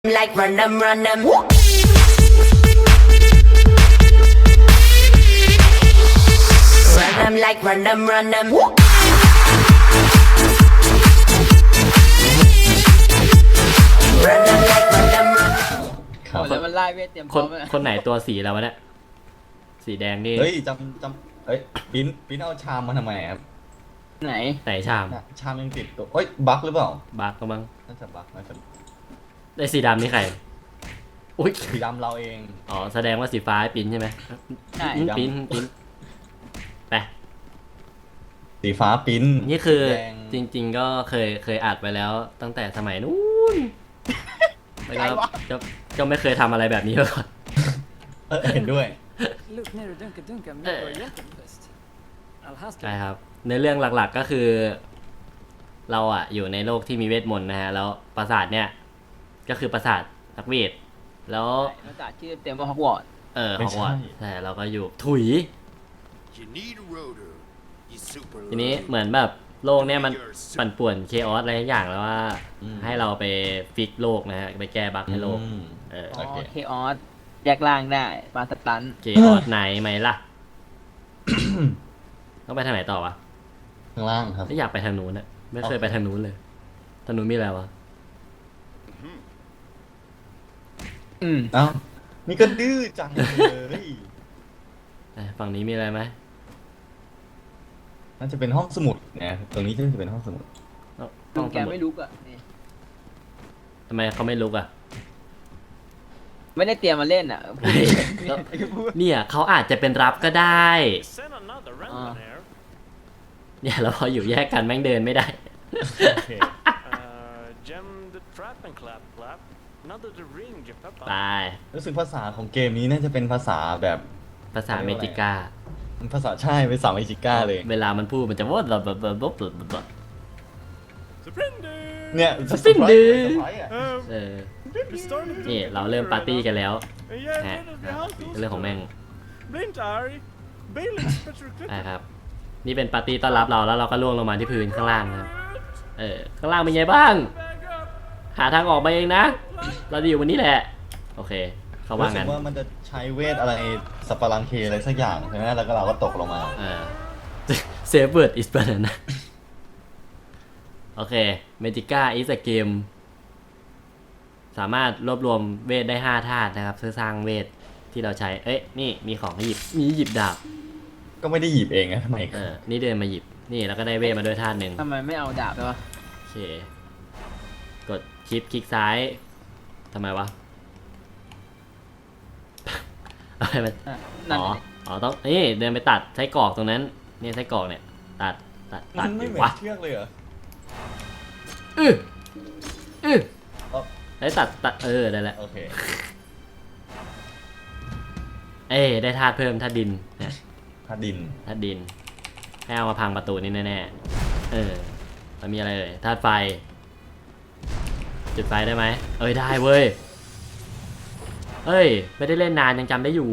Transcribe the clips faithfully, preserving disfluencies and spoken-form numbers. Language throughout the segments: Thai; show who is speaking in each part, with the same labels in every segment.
Speaker 1: like run them, run them. Run them like run them, run them. Run them like run them, run.
Speaker 2: ครับ
Speaker 3: แล้วมันไล่เวทเตรียมพ
Speaker 4: ค
Speaker 3: ร้อน มเลย
Speaker 4: คนไหนตัวสีแล้ววะเนี่ยสีแดงนี่
Speaker 2: เฮ้ยจำจำเฮ้ยปิ้นปิ้นเอาชามมาทำไมครับ
Speaker 3: ไหน
Speaker 4: ไหนชาม
Speaker 2: น่ะชามยังติดตัวเฮ้ยบั๊กหรือเปล่า
Speaker 4: บักก็มั้ง
Speaker 2: น่าจะบั๊กน่าจะ
Speaker 4: ได้สีดำนี่ใครอุ้ย
Speaker 2: สีดำเราเอง
Speaker 4: อ๋อแสดงว่าสีฟ้าให้ปิ้นใช่ไหม
Speaker 3: ใช่
Speaker 4: ปิ้นปิ้นปิ้นไป
Speaker 2: สีฟ้าปิ้น
Speaker 4: นี่คือ
Speaker 2: แดง
Speaker 4: จริง ๆ ก็เคยเคยอัดไปแล้วตั้งแต่สมัยนู้นแล้วก็ก็ก็ไม่เคยทำอะไรแบบนี้มาก่อน
Speaker 2: เออเห็นด้วย
Speaker 5: Look nere dunka dunka
Speaker 4: Eh.
Speaker 5: med jättefest. Alhassan.
Speaker 4: ใช่ครับในเรื่องหลักๆก็คือ เราอะอยู่ในโลกที่มีเวทมนต์นะฮะแล้วปราสาทเนี่ยก็คือปราสาทนักเวทแล้ว
Speaker 3: ภาษาชื่อเต็มว่าฮอกวอตส์
Speaker 4: เออ
Speaker 2: ไม่
Speaker 4: ของ
Speaker 2: ใช่
Speaker 4: ว่าใช่เราก็อยู่ถุย
Speaker 6: You need a rotor. You super
Speaker 4: ทีนี้
Speaker 6: loaded.
Speaker 4: เหมือนแบบโลกเนี่ยมันปั่นป่วนเคออสอะไรทุกอย่างแล้วว่า
Speaker 2: อืม
Speaker 4: ให้เราไปฟิกโลกนะฮะไปแก้บั๊กให้โลก
Speaker 2: อืม
Speaker 4: เออ
Speaker 3: อ๋
Speaker 2: โอ
Speaker 3: อ
Speaker 2: เค
Speaker 3: เคออสแยกล่างได้มาสตัน
Speaker 4: เคออสไหนไหมล่ะ ต้องไปทางไหนต่อวะ
Speaker 2: ข้างล่างครับ
Speaker 4: ถ้าอยากไปทางนู้นอะไม่เคยไปทางนู้นเลยทางนู้นมีอะไรวะ
Speaker 3: อืม
Speaker 2: เอ้านี่ก็ดื้อจังเลย
Speaker 4: เอ้ยฝั่งนี้มีอะไรไหม
Speaker 2: น่าจะเป็นห้องสมุดเนี่ยตรงนี้น่าจะเป็นห้องสมุด
Speaker 4: ต้อง
Speaker 3: ลุ
Speaker 4: ต้อง
Speaker 3: งแกไม่ลุกอ่ะนี่
Speaker 4: ทำไมเขาไม่ลุกอะ
Speaker 3: ไม่ได้เตรียมมาเล่นอ่ะ
Speaker 4: เฮ้ยเนี่ยเขาอาจจะเป็นรับก็ได้
Speaker 7: Send another
Speaker 3: Ah.
Speaker 7: round there.
Speaker 4: เนี่ยแล้วพออยู่แยกกันแม่งเดินไม่ได้
Speaker 2: โอเค
Speaker 7: Uh, gem the trap and clap clap. Another the ring, you
Speaker 4: ไป
Speaker 7: papa.
Speaker 2: รู้สึกภาษาของเกมนี้น่าจะเป็นภาษาแบบ
Speaker 4: ภาษาเมจิก้า
Speaker 2: ภาษาใช่เป็นภาษาเมจิก้าเลย
Speaker 4: เวลามันพูดมันจะวดแบบแบบแบบแบบแบบ
Speaker 7: Surrender.
Speaker 2: เนี่ย
Speaker 4: สปินดื้อ
Speaker 2: เซอร์ไพรส์อะ
Speaker 7: Uh,
Speaker 4: เออ
Speaker 7: we started to
Speaker 4: นี่
Speaker 7: get
Speaker 4: เราเริ่มปาร์ตี้กันแล้ว
Speaker 7: Uh, yeah,
Speaker 4: ฮะ
Speaker 7: get the house.
Speaker 4: เรื่องของแม่ง
Speaker 7: Blind Ari. Bailey, Patrick.
Speaker 4: ใช่ครับ นี่เป็นปาร์ตี้ต้อนรับเราแล้วเราก็ล่วงลงมาที่พื้นข้างล่างนะครับเออข้างล่างเป็นไงบ้าง
Speaker 7: Back up.
Speaker 4: หาทางออกมาเองนะ เราจะอยู่วันนี้แหละ โอเค เขาว่า
Speaker 2: รู้สึ
Speaker 4: งั้
Speaker 2: ก
Speaker 4: น
Speaker 2: ว่ามันจะใช้เวทอะไรสัปปะรังเคอะไรสักอย่างใช่ไหมแล้วก็เราก็ตกลงมา
Speaker 4: เออ Save word is banana โอเค Magica is a game สามารถรวบรวมเวทได้ห้าธาตุนะครับเพื่อสร้างเวทที่เราใช้ เอ้ย นี่มีของให้หยิบ มีหยิบดาบ
Speaker 2: ก็ไม่ได้หยิบเองนะทำไม
Speaker 4: เออ นี่เดินมาหยิบ นี่แล้วก็ได้เวทมาด้วยธาตุหนึ่ง
Speaker 3: ทำไมไม่เอาดาบไปวะ
Speaker 4: โอเค กดชิปคลิกซ้าย ทำไมวะ อะไรมัน
Speaker 3: อ่ะนั่น
Speaker 4: อ๋อ
Speaker 3: น่ะดิ
Speaker 4: อ๋อ ต้อง นี่เดินไปตัดไส้กรอกตรงนั้น นี่ไส้กรอกเนี่ย ตัด ตัด
Speaker 2: มั
Speaker 4: ตัด
Speaker 2: นไม่
Speaker 4: ดี
Speaker 2: เหมือ
Speaker 4: วะ
Speaker 2: นเชือกเลยเหรอ
Speaker 4: อื้ออื้อ
Speaker 2: อ๋อ
Speaker 4: ได้ตัด ตัด เออ ได้แล้ว
Speaker 2: โอเค
Speaker 4: เอ้ยได้ธาตุเพิ่มธาตุดินเนี่ย
Speaker 2: พาดิน
Speaker 4: ธาตุดิน ให้เอามาพังประตูนี่แน่ๆ เออมันมีอะไรเอ่ยธาตุไฟ จุดไฟได้ไหม เอ้ย ได้เว้ย เอ้ย ไม่ได้เล่นนานยังจำได้อยู่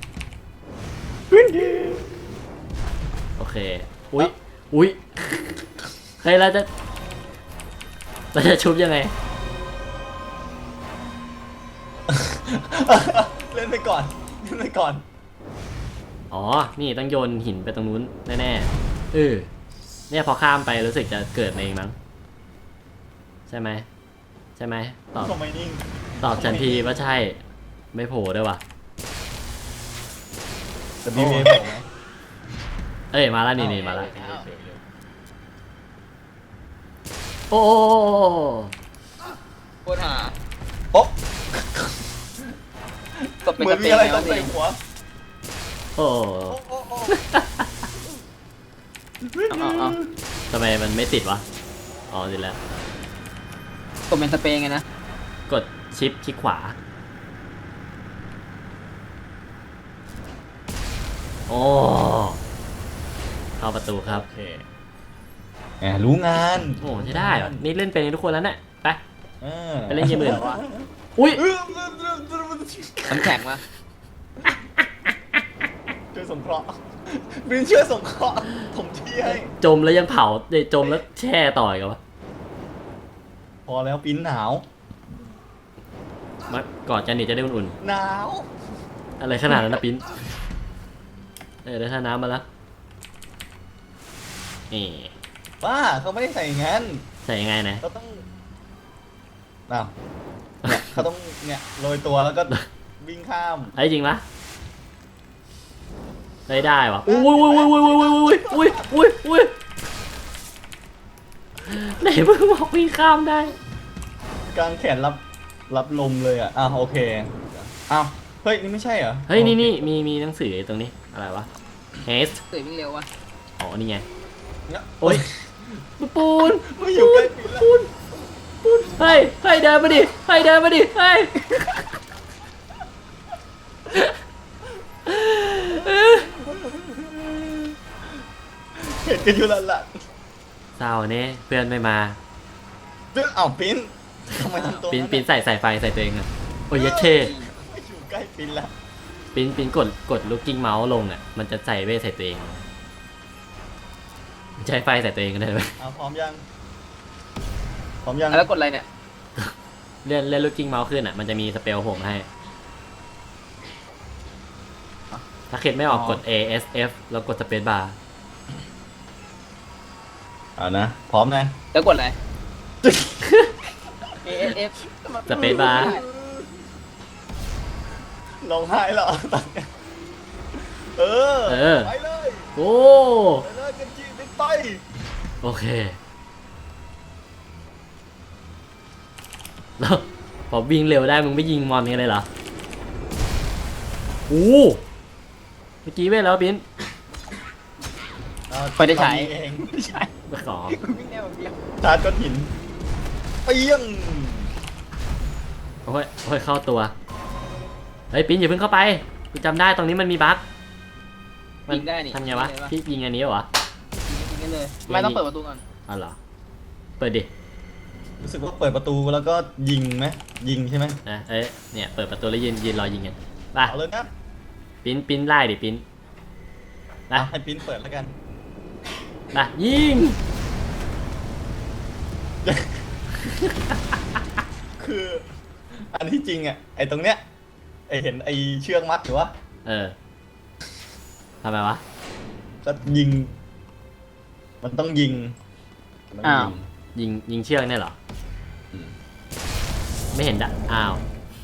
Speaker 4: โอเค อุ๊ย อุ๊ย เฮ้ยเราจะ เราจะชุบยังไง
Speaker 2: เล่นไปก่อน เล่นไปก่อน
Speaker 4: อ๋อ นี่ต้องโยนหินไปตรงนู้นแน่ๆเออเนี่ยพอข้ามไปรู้สึกจะเกิดมาเองมั้ง ใช่ไหม ใช่ไหม ตอบ
Speaker 2: ทำไมนิ่ง
Speaker 4: ตอบฉันทีว่าใช่ ไม่โผล่ด้วยวะ
Speaker 2: แต่บีเมย์บอกนะ
Speaker 4: เอ้ย มาแล้วนี่นี่มาแล้ว
Speaker 2: เฉยๆเลย
Speaker 4: โอ้
Speaker 3: โคตรหา
Speaker 2: โอ๊ะ
Speaker 3: กดเป็น
Speaker 2: เหมือน
Speaker 3: สเป
Speaker 2: มี
Speaker 3: น
Speaker 2: อะไร
Speaker 3: แล้ว
Speaker 2: ต้อง
Speaker 3: สิ
Speaker 2: ใส่หัว
Speaker 4: โอ้
Speaker 2: โอ้โอ้
Speaker 3: เอาเอาเอา
Speaker 4: ทำไมมันไม่ติดวะ อ๋อติดแล้ว
Speaker 3: กดเป็นสเปนไงนะ
Speaker 4: กดชิปคลิกขวา โอ้เข้าประตูครับ
Speaker 2: โอเคแหมรู้งาน
Speaker 4: โอ้ใช่ได้เหรอนี่เล่นเป็นกันทุกคนแล้วเนี่ยไป
Speaker 2: เออ
Speaker 4: ไปเล่นเกมอื่นอุ้ย
Speaker 2: เออ
Speaker 3: น้ำแข็งมา
Speaker 2: ช่วยสงเคราะห์บินช่วยสงเคราะห์ผมที่ให้
Speaker 4: จมแล้วยังเผาเดี๋ยวจมแล้วแช่ต่อยกันวะ
Speaker 2: พอแล้วปิ้นหนาว
Speaker 4: มากอดกันนี่จะได้อุ่น
Speaker 2: หนาว
Speaker 4: ๆอะไรขนาดนั้นนะปิ้นเออได้ท่าน้ำมาแล้วนี่
Speaker 2: ป้าเขาไม่ได้ใส่อย่างนั้น
Speaker 4: ใส่ยังไงนะ
Speaker 2: เขาต้องอ้าวเนี่ยเขาต้องเนี่ยโรยตัวแล้วก็วิ่งข้าม
Speaker 4: ไอ้ยจริงปะได้ได้วะอุ้ยอุ้ยอุ้ยอุ้ยอุ้ยอุ้ยอุ้ยอุ้ยไหนมึงบอกวิ่งข้ามได้
Speaker 2: กางแขนรับรับลมเลยอ่ะอ้าวโอเคอ้าวเฮ้ยนี่ไม่ใช่เหรอ
Speaker 4: เฮ้ยนี่นี่มีมีหนังสือตรงนี้อะไรวะ haste
Speaker 3: ตื่นวิ่งเร็ววะ
Speaker 4: อ๋อนี่ไง
Speaker 2: เนี่ย
Speaker 4: โอ้ยปูน
Speaker 2: ไม่อยู่ใกล้ปิดแล้ว
Speaker 4: ปูนปูนเฮ้ยเฮ้ยเดินมาดิเฮ้ยเดินมาดิเฮ้ยเอ้ย
Speaker 2: เห็นกันอยู่แล้วล่ะ
Speaker 4: เศร้าเนี่ยเพื่อนไม่มา
Speaker 2: เรื่องอ้าวปิ้นทำไมทำตัว
Speaker 4: ปิ้น
Speaker 2: นั้น
Speaker 4: ปิ้นใส่ใส่ไฟใส่ตัวเองอะโอ้ยยัดเช่
Speaker 2: ไม่อยู่ใกล้ปิ้นแล้ว
Speaker 4: ปิ้นปิ้นกดกดลูกกิ้งเมาส์ลงอ่ะมันจะใส่เวทใส่ตัวเองใช้ไฟใส่ตัวเองก็ได้ไหม
Speaker 2: อ้าวพร้อมยังพร้อมยัง
Speaker 3: แล้วกดอะไรเนี่ย
Speaker 4: เลื่อนเลื่อนลูกกิ้งเมาส์ขึ้นอ่ะมันจะมีสเปลผมให้ถ้าเข็ดไม่ออกกด A S F แล้วกดสเปซบาร์
Speaker 2: อ่านะพร้อมนะ
Speaker 3: แล้วกดอะไร A S F
Speaker 4: สเปซบาร์
Speaker 2: ร้องไห้เหรอเออ
Speaker 4: เออ
Speaker 2: ไปเลย
Speaker 4: โอ้
Speaker 2: ไปเลยกันจีบินไป
Speaker 4: โอเคแล้วพอวิ่งเร็วได้มึงไม่ยิงมอนกันเลยเหรอโอ้เมื่อกี้เวทแล้วปิ้น
Speaker 3: ไปได้ใช้
Speaker 2: ตอนนี้เอง
Speaker 3: ไม่ใช่
Speaker 4: ไม่ขอ
Speaker 3: วิ่งเร็วแบบเดียว
Speaker 2: ชาร์จก้อนหินเปี้ยง
Speaker 4: โอ้ยโอ้ยเข้าตัวเฮ้ยปิ้นอย่าเพิ่งเข้าไปกูจำได้ตรงนี้มันมีบั๊กมัน
Speaker 3: ยิงได้นี่
Speaker 4: ทำไงวะ
Speaker 3: ยิงได้ปะ
Speaker 4: พี่ยิงอันนี้เหรอ
Speaker 3: ยิงได้เลยไม่ต้องเปิดประตูก่อน
Speaker 4: อ๋อเหรอเปิดดิ
Speaker 2: รู้สึกว่าเปิดประตูแล้วก็ยิงไหมยิงใช่ไหม
Speaker 4: นะเอ้ยเนี่ยเปิดประตูแล้วยืนยืนรอยิงกันไป
Speaker 2: เอาเลยนะ
Speaker 4: ปิ้นปิ้นไล่ดิปิ้นไป
Speaker 2: อ่ะให้ปิ้นเปิดแล้วกัน
Speaker 4: ไปยิง
Speaker 2: คืออันที่จริงอ่ะไอ้ตรงเนี้ยไอ้เห็นไอ้เชือกมัดหรือวะ
Speaker 4: เออทำไมวะ
Speaker 2: ก็ยิง มันต้องยิงมันต้องยิง
Speaker 4: ยิงยิงเชือกเนี่ยเหรอ
Speaker 2: อืม
Speaker 4: ไม่เห็นดะอ้าว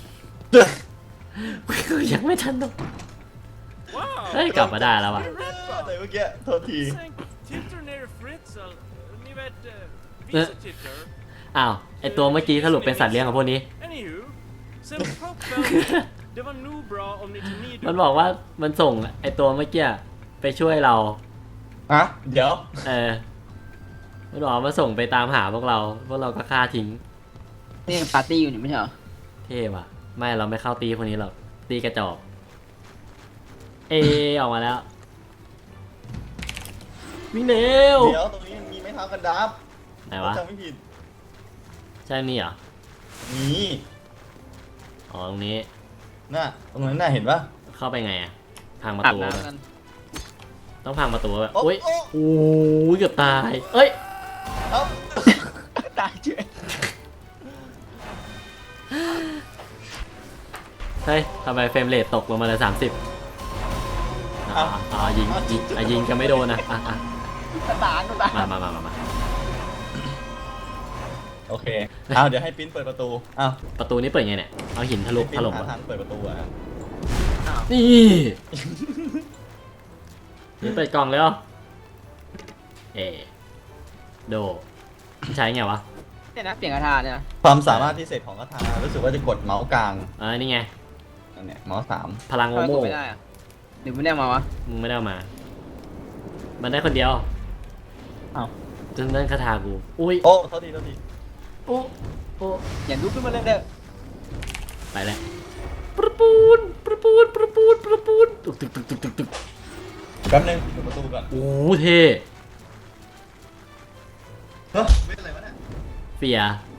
Speaker 4: ยังไม่ทันตก
Speaker 7: Wow!
Speaker 4: เฮ้ยกลับมาได้แล้วว่ะ
Speaker 2: แต่เมื่อกี้โทษที
Speaker 7: Tänk, tittar ner Fritzl. Ni vet, uh,
Speaker 4: Eh.
Speaker 7: visitittar.
Speaker 4: อ้าวไอตัวเมื่อกี้สรุปเป็นสัตว์เลี้ยงของพวกนี้
Speaker 7: Anywho, sen proppen, det var nog bra om ni tog med
Speaker 4: มันบอกว่ามันส่งไอตัวเมื่อกี้ไปช่วยเรา
Speaker 2: อ่ะ เดี๋ยว
Speaker 4: เออมันบอกว่ามาส่งไปตามหาพวกเรา พวกเราก็ฆ่าทิ้ง
Speaker 3: นี่ปาร์ตี้อยู่นี่ไม่ใช่เหรอ
Speaker 4: เท่ว่ะ ไม่เราไม่เข้าตีคนนี้หรอกตีกระจอกเอออกมาแล้ววิ่งเร็ว
Speaker 2: เดี๋ยวตรงนี้มันมีไม้เท้ากันดับ
Speaker 4: ไหนวะ
Speaker 2: จำไม่ผิด
Speaker 4: ใช่นี่เหรอ
Speaker 2: นี่
Speaker 4: อ๋อตรงนี้
Speaker 2: น่ะตรงนั้นน่ะเห็นปะ
Speaker 4: เข้าไปไงอะพังประ
Speaker 3: อาบ
Speaker 4: ตู
Speaker 3: น้ำกัน
Speaker 4: ต้องพังประตูแบบ
Speaker 2: โอ้
Speaker 4: อุ้ย
Speaker 2: โอ้
Speaker 4: โอ้ยเกือบตาย เอ้ย
Speaker 2: เอ้า
Speaker 3: ตายเฉย
Speaker 4: เฮ้ยทำไมเฟรมเรทตกลงมาเลยสามสิบอ๋ออ๋อยิงยิงอ่ะยิงกันไม่โดนนะอ่ะอ่ะ
Speaker 3: ตายก็ตาย
Speaker 4: มามามามามา
Speaker 2: โอเคเอาเดี๋ยวให้ปิ้นเปิดประตูอ้าว
Speaker 4: ประตูนี้เปิดไงเนี่ย เอาหินทะลุ
Speaker 2: ปิ้
Speaker 4: ถ
Speaker 2: น
Speaker 4: ล่ม
Speaker 2: หา
Speaker 4: อะ
Speaker 2: ทางเปิดประตูอ่ะ
Speaker 4: นี่นี่เปิดกล่องเลยเหรอเอโดใช้ไงวะ
Speaker 3: เนี่ยนะเปลี่ยนกระทาเนี่ยนะ
Speaker 2: ความสามารถพิเศษของคาถารู้สึกว่าจะกดเมาส์กลาง
Speaker 4: เออนี่ไง
Speaker 2: นั่นเนี่ยเมาส์สาม
Speaker 4: พลัง
Speaker 3: ทำ
Speaker 4: โม
Speaker 3: ไมก
Speaker 4: โม่
Speaker 3: ดไม่ได้อะหรือไม่ได้เอามาวะ
Speaker 4: มึงไม่ได้เอามา มันได้คนเดียว
Speaker 3: อ้าว
Speaker 4: จนนั่นคาถากู อุ้ย
Speaker 2: โอ้โทษทีโทษที
Speaker 4: โอ้โอ้
Speaker 3: อย่าลุกขึ้นมาเลยเด้อ
Speaker 4: ไปแล้วประปูนประปูนประปูนประปูนตึกตึกตึกตึกตึกตึก
Speaker 2: แป๊บนึงเปิดประตูก่อน
Speaker 4: โอ้เท่
Speaker 2: เฮ้ยไม่เป็นไรวะเนี่ย
Speaker 4: เฟีย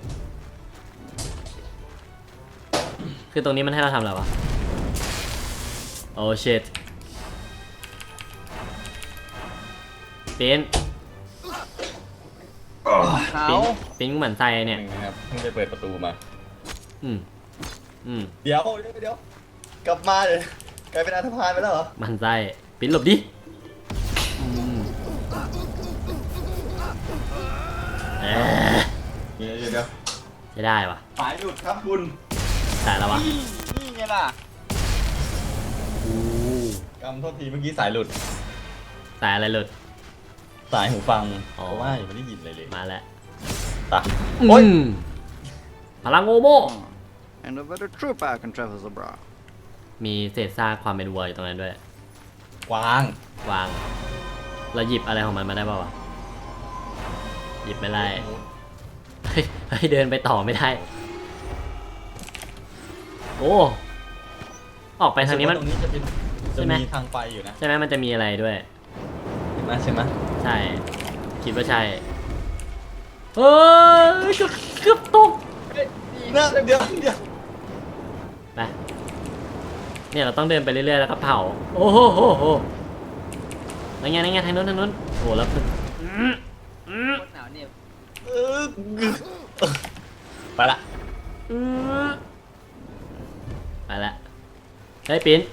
Speaker 4: คือตรงนี้มันให้เราทำอะไรวะ โอ้เชตปิ้น
Speaker 3: เขา
Speaker 4: ปิ้นปิ้นเหมือนใจเนี่ย
Speaker 2: หนึ่งนะครับเพิ่งไปเปิดประตูมา
Speaker 4: อืมอืม
Speaker 2: เดี๋ยวเดี๋ยวเดี๋ยวกลับมาเลยกลายเป็นอันธพาลไปแล้วเหรอ
Speaker 4: มันไส้ปิ้นหลบดิอืมเอ๊ะ
Speaker 2: เดี๋ยวเดี๋ยวเดี๋ยว
Speaker 4: ไม่ได้วะ
Speaker 2: สายหลุดครับคุณ
Speaker 4: สายแล้ววะ
Speaker 3: นี่ไงล่ะ
Speaker 4: อู้
Speaker 2: กำโทษทีเมื่อกี้สายหลุด
Speaker 4: สายอะไรหลุด
Speaker 2: สายหูฟัง
Speaker 4: อ๋อ
Speaker 2: เพราะว่ายังไม่ได้ยินเลยเลย
Speaker 4: มาแล้ว
Speaker 2: ตะ
Speaker 4: อื
Speaker 2: โอ๊ย
Speaker 4: มพลังโอโม
Speaker 6: And a better trooper can travel the bra.
Speaker 4: มีเศษซากความเป็นวัวอยู่ตรงนั้นด้วย
Speaker 2: วาง
Speaker 4: วาง เราหยิบอะไรของมันมาได้ป่าวะ หยิบไม่ได้ เฮ้ยเฮ้ยเดินไปต่อไม่ได้ โอ้ ออกไปทางนี้มัน
Speaker 2: ตรงนี้จะเป็น
Speaker 4: ใช่
Speaker 2: จะ
Speaker 4: ไหม
Speaker 2: มีทางไปอยู่นะ
Speaker 4: ใช่ไหมมันจะมีอะไรด้วย
Speaker 2: เห็นไหมใช่ไหม
Speaker 4: ใช่ คิดว่าใช่ เฮ้ยเกือบเกือบตก
Speaker 2: นะเดี๋ยวเดี๋ยว
Speaker 4: ไป เนี่ยเราต้องเดินไปเรื่อยๆแล้วก็เผา โอ้โหโหโหนั่นไงนั่นไงทางนู้นทางนู้นโอ้แล้วอืมอืม
Speaker 3: โคตรหนาวเนี่ย
Speaker 2: เออไปละ
Speaker 4: อืมไปละเฮ้ยปิ้น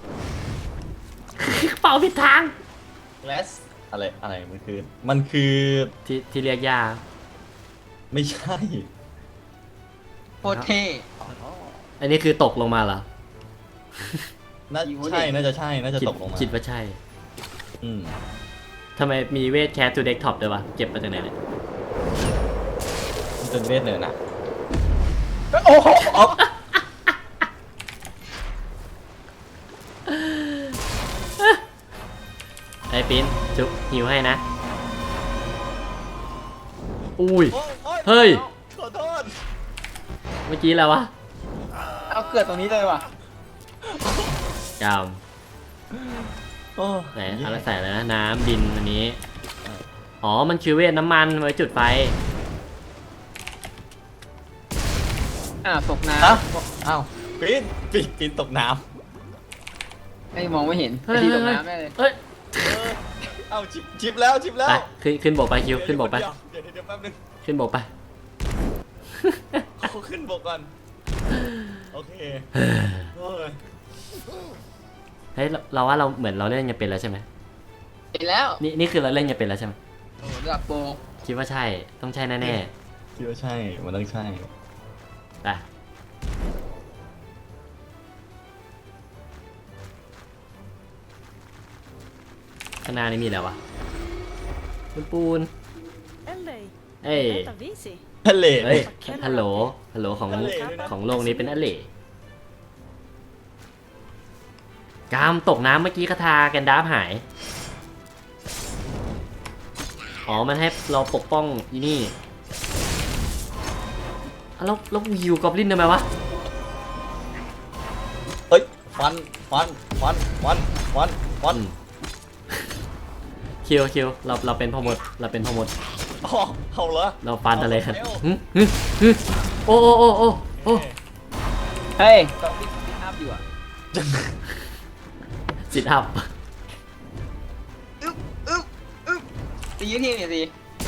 Speaker 4: เป่าผิดทาง
Speaker 2: เลสอะไรอะไรมันคือ มันคือ
Speaker 4: ที่ที่เรียกยา
Speaker 2: ไม่ใช่
Speaker 3: โคตรเท่
Speaker 4: อันนี้คือตกลงมาเหรอ
Speaker 2: น่า
Speaker 3: อยู่ดิ
Speaker 2: ใช่น่าจะใช่น่าจะ
Speaker 4: คิด
Speaker 2: ตกลงมา
Speaker 4: คิดว่าใช่
Speaker 2: อืม
Speaker 4: ทำไมมีเวทแคสทูเด็กท็อปด้วยวะ เก็บมาจากไหนเนี่ย
Speaker 2: มันเป็นเวทเนินอะ
Speaker 3: โอ้โห
Speaker 4: ไอ้ปิ้นจุ๊บหิวให้นะ อุ้ย
Speaker 2: โอ้โอ้
Speaker 4: เฮ้ย
Speaker 2: ขอโทษ
Speaker 4: เมื่อกี้แล้ววะ
Speaker 3: เอาเกิดตรงนี้เลยว่ะ
Speaker 4: กาม
Speaker 2: โอ้
Speaker 4: ไหนอะไรใส่อะไรนะ น้ำดินอันนี้ อ๋อ มันคือเวทน้ำมันไว้จุดไฟ
Speaker 3: อ่าตกน้
Speaker 2: อ้าวอ้าวปีนปีนปีนตกน้
Speaker 3: ำไอ้มองไม่เห็น
Speaker 4: เฮ้
Speaker 3: ไอ้
Speaker 4: ย
Speaker 3: ที่
Speaker 4: เฮ้
Speaker 3: ต
Speaker 4: ย
Speaker 3: ก
Speaker 4: เฮ้ย
Speaker 3: น้ำแน่เลย
Speaker 4: เฮ้ย
Speaker 2: ำเออเอ้าชิปชิปแล้วชิปแล้ว
Speaker 4: ไปขึ้นขึ้นบกไปคิวขึ้นบกไป
Speaker 2: เดี๋ยวเดี๋ยวเดี๋ยวแป๊บนึง
Speaker 4: ขึ้นบกไป
Speaker 2: เอาขึ้นบกก่อน โอเคโอ้ย
Speaker 4: เฮ้ยเราเราว่าเราเหมือนเราเล่นกันเป็นแล้วใช่ไหม
Speaker 3: เห็นแล้ว
Speaker 4: นี่นี่คือเราเล่นกันเป็นแล้วใช่ไหม
Speaker 3: โอ้โหเลือดโปร
Speaker 4: คิดว่าใช่ ต้องใช่แน่
Speaker 2: คิดว่าใช่ มันต้องใช่
Speaker 4: ๆไปข้างหน้านี่มีอะไรวะปูนปูน
Speaker 8: Eller,
Speaker 4: เอ้ย
Speaker 8: vänta visi.
Speaker 2: ทะเล
Speaker 4: เฮ้ย ฮัลโหล ฮัลโหลของ
Speaker 2: ทะเลด้วยนะ
Speaker 4: ของโลกนี้เป็นอะเลกามตกน้ำเมื่อกี้คาทาแกนดาฟหาย อ๋อ มันให้เราปกป้องอีนี่อ่ะแล้วแล้ววิวกอบลินทำไมวะ
Speaker 2: เฮ้ย ฟัน ฟัน ฟัน ฟัน ฟัน ฟัน
Speaker 4: อืม คิวคิวเราเราเป็นพ่อมด เราเป็นพ่อมด
Speaker 2: อ๋อเอาเหรอ
Speaker 4: เราฟันอะไรกัน
Speaker 2: เอาแล้ว
Speaker 4: หึหึหึโอ้โอ้โอ้โอ้โอ้
Speaker 3: เฮ้ยตอนนี้ติดอัพอยู่อ่ะ
Speaker 4: สิทอัพ
Speaker 3: ตียืดทีหน่อยสิ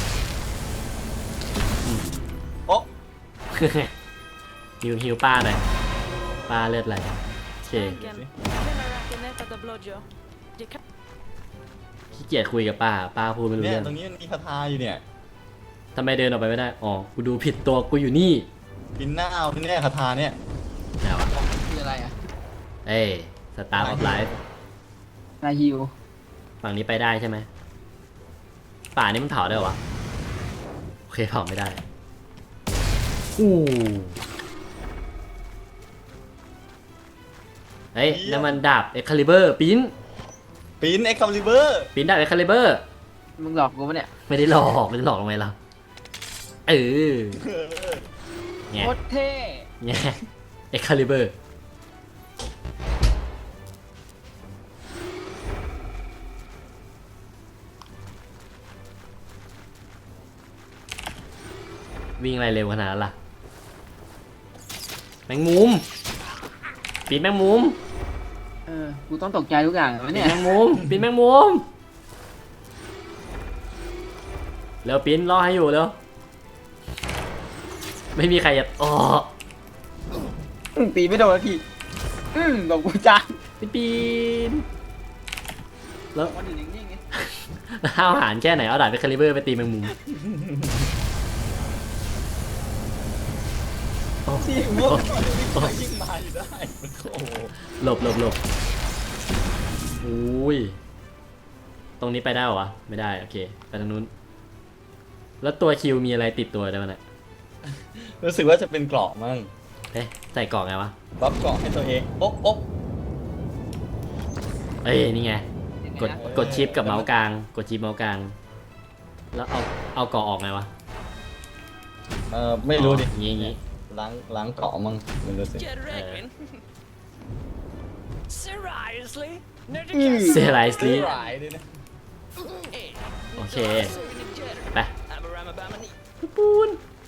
Speaker 2: โอ้
Speaker 4: ฮิวฮิวป้าหน่อยป้าเลือดไหลโอเค
Speaker 8: Vägen. Hela racken är på blodjo. Det kan
Speaker 4: ขี้เกียจคุยกับป้า ป้าพูดไม่รู้
Speaker 2: เนี่ย
Speaker 4: เรื่อง
Speaker 2: ตรงนี้มันมีคาถาอยู่เนี่ย
Speaker 4: ทำไมเดินออกไปไม่ได้ อ๋อ กูดูผิดตัว กูอยู่นี่
Speaker 2: กินหน้าเอาที่เนี่ยคาถาเนี่ย
Speaker 4: ไหนวะ
Speaker 3: คืออะไรอ่ะ
Speaker 4: เอ้ยสตาร์ออฟไลฟ์
Speaker 3: นาฮิว
Speaker 4: ฝั่งนี้ไปได้ใช่ไหม ป่านี้มันเผาได้เหรอวะ โอเคเผาไม่ได้ อู้เฮ้ยนั่นมันดาบเอ็กคาลิเบอร์ปิ้น
Speaker 2: ปีนเอ็กคัมลิเบอร์
Speaker 4: ปิ้นดาบเอ็กคาลิเบอร์
Speaker 3: มึงหลอกกูปะเนี่ย
Speaker 4: ไม่ได้หลอกไม่ได้หลอกทำไมล่ะเออแง่
Speaker 3: โคตรเท่
Speaker 4: แง่เอ็กคาลิเบอร์วิ่งอะไรเร็วขนาดนั้นล่ะ แมงมุมปีนแมงมุม
Speaker 3: เออ กูต้องตกใจทุกอย่างวะ
Speaker 4: ปี
Speaker 3: เนี่
Speaker 4: น
Speaker 3: ย
Speaker 4: แมงมุมปีนแมงมุมเร็วปีนรอให้อยู่เร็วไม่มีใครจะอ๋อ
Speaker 3: อืมตีไม่โดนแล้วพี่อืมหลบกูจัง
Speaker 4: ปีปีนแล้ว
Speaker 3: มันอยู่นิ่งๆไง
Speaker 4: ห้าวหาญแค่ไหนเอาดาบไปคาลิเบอร์ไปตีแมงมุม
Speaker 2: ที่มุกยิ่งมาอยู่ได้โอ้โห
Speaker 4: หลบหลบหลบอุ้ยตรงนี้ไปได้เหรอวะไม่ได้โอเคไปทางนู้นแล้วตัวคิวมีอะไรติดตัวได้บ้างเนี่ย
Speaker 2: รู้สึกว่าจะเป็นเกราะมั่ง
Speaker 4: เอ๊ะใส่กล่องไงวะ
Speaker 2: บัฟเกราะให้ตัวเองโอ๊ะโอ๊ะ
Speaker 4: เอ้ยนี่ไงกดกดชิปกับเมาส์กลางกดชิปเมาส์กลางแล้วเอาเอาเกาะออกไงวะ
Speaker 2: เออไม่รู้ดิ
Speaker 4: อ๋ออย่างงี้อย่างงี้
Speaker 2: ล้างล้างเกราะมั่งไม่รู้สิ
Speaker 8: Get reckon.
Speaker 7: Seriously? No,
Speaker 4: เซรายสลี
Speaker 2: หลายด้วยนะ
Speaker 4: โอเคไป
Speaker 7: I'm a ramabamani.
Speaker 4: ปูน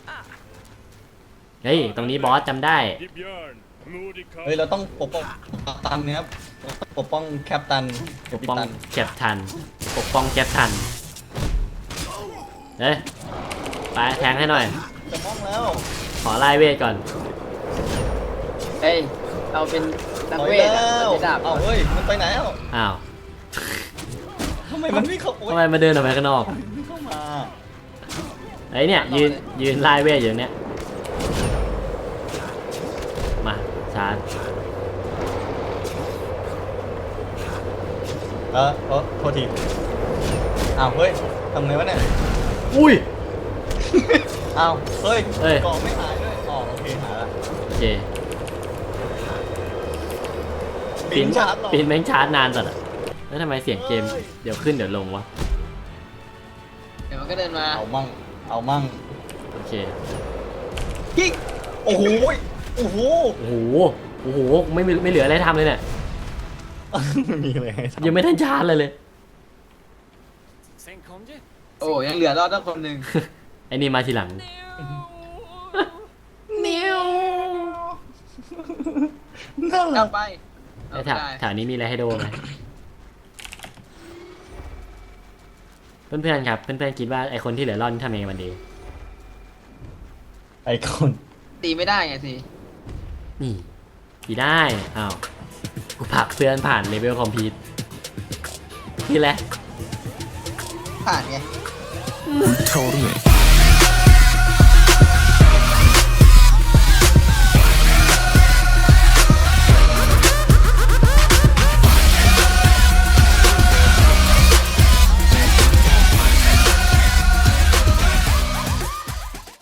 Speaker 4: เฮ้ยตรงนี้บอสจำได้
Speaker 2: เฮ้ยเราต้องปกป้องกัปตันเนี่ยครับปกป้องแคปตัน
Speaker 4: ปกป้อง
Speaker 2: ตัน
Speaker 4: แคปทันปกป้องแคปทันเฮ้ยไปแทงให้หน่อย
Speaker 2: จะมองแล้ว
Speaker 4: ขอไล่เวทก่อน
Speaker 3: เฮ้ยเอาเป็นนัก
Speaker 2: ต่อย
Speaker 3: เวท
Speaker 2: แล้
Speaker 3: อะ
Speaker 2: ว
Speaker 3: เป็นดาบ
Speaker 2: เอ้าเฮ้ยมันไปไหนแล้ว
Speaker 4: อ้าว
Speaker 2: ทำไมมันไม่เข้าโอ๊ย
Speaker 4: ทำไมมาเดินออกไปข้างนอก
Speaker 2: ไม่เข้ามา
Speaker 4: ไอ้เนี่ยยืนยืนไล่เวทอยู่ตรงเนี้ยมาชาร์จ
Speaker 2: เออเออโทษทีอ้าวเฮ้ยทำไงวะเนี่ย
Speaker 4: อุ้ย
Speaker 2: อ้าวเฮ้ย
Speaker 4: เอ้ย
Speaker 2: กล่องไม่หายด้วยอ๋อโอเคหายละ
Speaker 4: โอเค
Speaker 2: บินชาร์จหรอ
Speaker 4: ปีนแม่งชาร์จนานจัดอะแล้วทำไมเสียงเกมเดี๋ยวขึ้นเดี๋ยวลงวะ
Speaker 3: เดี๋ยวมันก็เดินมา
Speaker 2: เอามั่งเอามั่ง
Speaker 4: โอเค
Speaker 2: กิ๊กโอ้โหโอ้โห
Speaker 4: โอ้โหโอ้โหไม่มีไม่เหลืออะไรทำเลยเนี่ย
Speaker 2: ไม่มีเลยให้ทำ
Speaker 4: ยังไม่ทันชาร์จเลยเลย
Speaker 7: Sen kom du.
Speaker 3: โอ้ยังเหลือรอดตั้งคนหนึ่ง
Speaker 4: ไอ้นี่มาทีหลัง
Speaker 2: น่ารั
Speaker 3: เอา
Speaker 2: ก
Speaker 3: ไป
Speaker 4: ไอ้
Speaker 3: เอา
Speaker 4: แถว
Speaker 3: ได้
Speaker 4: แถวนี้มีอะไรให้ดูไหมเพื่อนๆครับเพื่อนๆคิดว่าไอคนที่เหลือรอดนี่ทำยังไงมันดี
Speaker 2: ไอคอน
Speaker 3: ตีไม่ได้ไงสิ
Speaker 4: นี่ดีได้อ้าวกูผลักเพื่อนผ่านเลเวลคอมพิวต์นี่แหละ
Speaker 3: ผ่านไง
Speaker 6: Told me.